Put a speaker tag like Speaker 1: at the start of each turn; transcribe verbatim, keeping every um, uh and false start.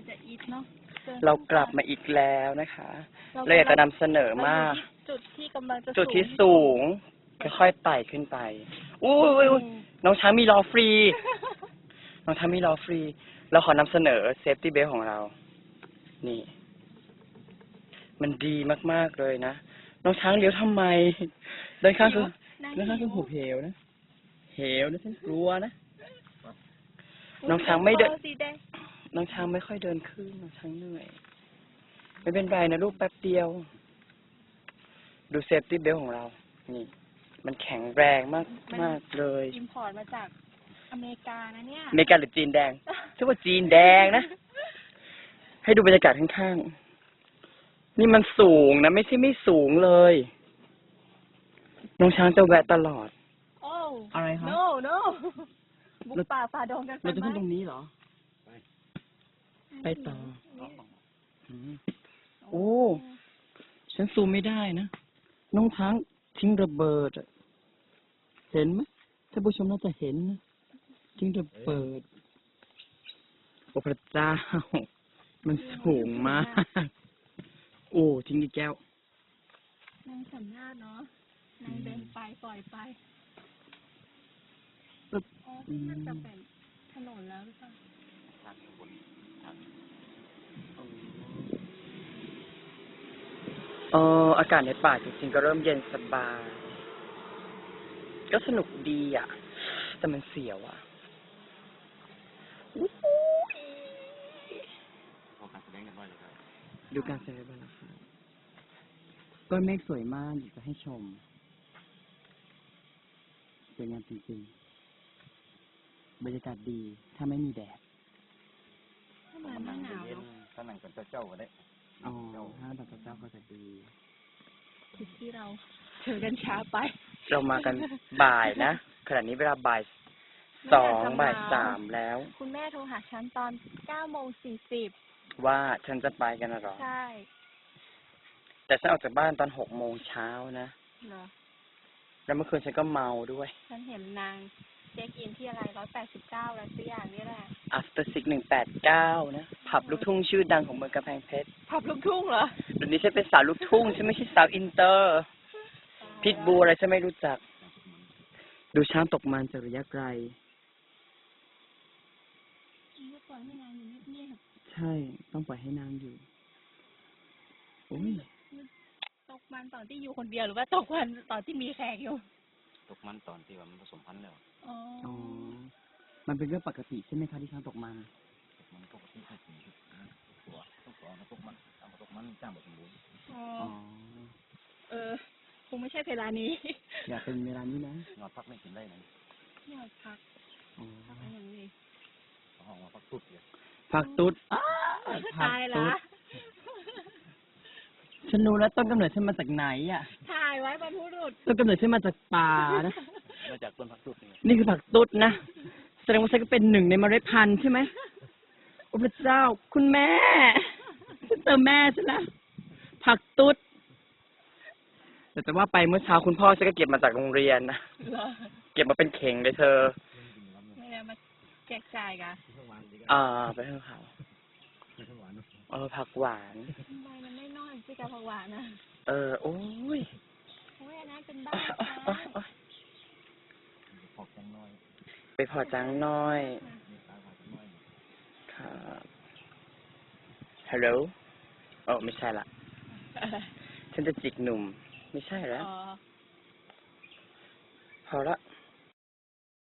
Speaker 1: จะอีทเนาะ
Speaker 2: เรากลับมาอีกแล้วนะคะเราอยากจะนำเสนอมาก
Speaker 1: จุดที่กำลังจะ
Speaker 2: จุดที่สูงค่อยๆไต่ขึ้นไปอู้ยน้องช้างมีล้อฟรีน้องช้างมีล้อฟรีเราขอนำเสนอเซฟตี้เบลของเรานี่มันดีมากๆเลยนะน้องช้างเลี้ยวทำไมด้านข้างคือด้านข้างคือหุบเหวนะเหวนะฉันกลัวนะน้องช้างไม่เดินน้องช้างไม่ค่อยเดินขึ้นน้องช้างเหนื่อยไม่เป็นไรนะลูกแป๊บเดียวดูเซฟตี้เบลของเรานี่มันแข็งแรงมากมากเลย
Speaker 1: อิมพอร์ตมาจากอเมริกานะเนี่ย
Speaker 2: อเมริกาหรือจีนแดงชื่อว่าจีนแดงนะให้ดูบรรยากาศข้างๆนี่มันสูงนะไม่ใช่ไม่สูงเลยน้องช้างจะแวะตลอด
Speaker 1: โอ้
Speaker 2: อะไรครับ
Speaker 1: no no บุกป่าฝ่าดงกัน
Speaker 2: เราจะขึ้นตรงนี้เหรอไปต่อโอ้ฉันซูมไม่ได้นะน้องช้างทิ้งระเบิดเห็นไหมท่านผู้ชมน่าจะเห็นนะทิ้งระเบิดโอ้พระเจ้ามันสูงมากโอ้ทิ้งอีกแก้วน
Speaker 1: างสัญญาเนาะนางเดินไปปล่อยไปอ๋อที่มันจะเป็นถนนแล้วหรือเปล่า
Speaker 2: เอออากาศในป่าจริงๆก็เริ่มเย็นสบายก็สนุกดีอ่ะแต่มันเสียวอ่ะดูการแสดงกันนะครับก้อนเมฆสวยมากอยากจะให้ชมสวยงามจริงๆบรรยากาศดีถ้าไม่มีแดด
Speaker 1: ถ้ามันไม่หนาวเนาะ
Speaker 3: ถ้านั่งกับเจ้าก็ได้
Speaker 2: อ๋อถ้านั่งกับเจ้าก็จะดี
Speaker 1: ที่ที่เราเจอกันช้าไป
Speaker 2: เรามากันบ่ายนะขณะนี้เวลาบ่ายสองบ่ายสามแล้ว
Speaker 1: คุณแม่โทรหาฉันตอนเก้าโมงสี่สิบ
Speaker 2: ว่าฉันจะไปกันหรอ
Speaker 1: ใช่
Speaker 2: แต่ฉันออกจากบ้านตอนหกโมงเช้านะ
Speaker 1: เหรอ
Speaker 2: แล้วเมื่อคืนฉันก็เมาด้วย
Speaker 1: ฉันเห็นนางเช็คอินที่อะไรร้อยแปดสิบเก้าแล้วสักอย่างนี่แหละ
Speaker 2: After Six หนึ่งแปดเก้านะผับลูกทุ่งชื่อดังของเมืองกำแพงเพชร
Speaker 1: ผับลูกทุ่งเหรอ
Speaker 2: เดี๋ยวนี้ฉันเป็นสาวลูกทุ่งฉันไม่ใช่สาวอินเตอร์พิทบูอะไรฉันไม่รู้จักดูช้างตกมันจากระยะไกล
Speaker 1: ปล่อยให้นางอยู่เงียบ
Speaker 2: ใช่ต้องปล่อยให้นางอยู่โอ้ย
Speaker 1: ตกมันตอนที่อยู่คนเดียวหรือว่าตกมันตอนที่มีแขกอยู่
Speaker 3: ตกมันตอนที่ว่ามันผสมพันธุ์แล้ว
Speaker 1: อ๋อ
Speaker 2: มันเป็นเรื่องปกติใช่ไหมคะที่ช้างตกมัน
Speaker 3: ตกมันปกติให้กินตัวต้องตัวนะตกมันตามตกมันจ้างแบบสมบูรณ์
Speaker 1: อ๋อเออคงไม่ใช่เวลานี้
Speaker 2: อยากเป็นเวลานี้นะ
Speaker 3: นอนพักไม่กินได้นะ
Speaker 1: นอนพักพักอย่างนี้
Speaker 3: ห้องพักตุ๊ดเลย
Speaker 2: พักตุ๊ด
Speaker 1: ตายละ
Speaker 2: ฉันรู้แล้วต้นกำเนิดฉันมาจากไหนอ่ะ
Speaker 1: ถ่ายไว้บรรพุรุษ
Speaker 2: ต้นกำเนิดฉันมาจากป่านะ
Speaker 3: มาจากต้นผักตุ๊ด
Speaker 2: นี่คือผักตุ๊ดนะแสดงว่าฉันก็เป็นหนึ่งในเมล็ดพันธุ์ใช่ไหมโอ้พระเจ้าคุณแม่ฉันเจอแม่ฉันแล้วผักตุ๊ดแต่แต่ว่าไปเมื่อเช้าคุณพ่อฉันก็เก็บมาจากโรงเรียนนะเก็บมาเป็นเข่งเลยเธอ
Speaker 1: ไม่ได้มาแจกจ่ายกัน
Speaker 2: อ่าไปให้เขาเออผักหวาน
Speaker 1: ทำไมมันไม่น้อยสิกับผักหวานนะ
Speaker 2: เออโอ้ย
Speaker 1: โอ้ยอันนั้นเป็นบ้า
Speaker 3: พอจังน้อย
Speaker 2: ไปพอจังน้อยครับฮัลโหลโอ้ไม่ใช่ละฉันจะจิกหนุ่มไม่ใช่แล้วพอละ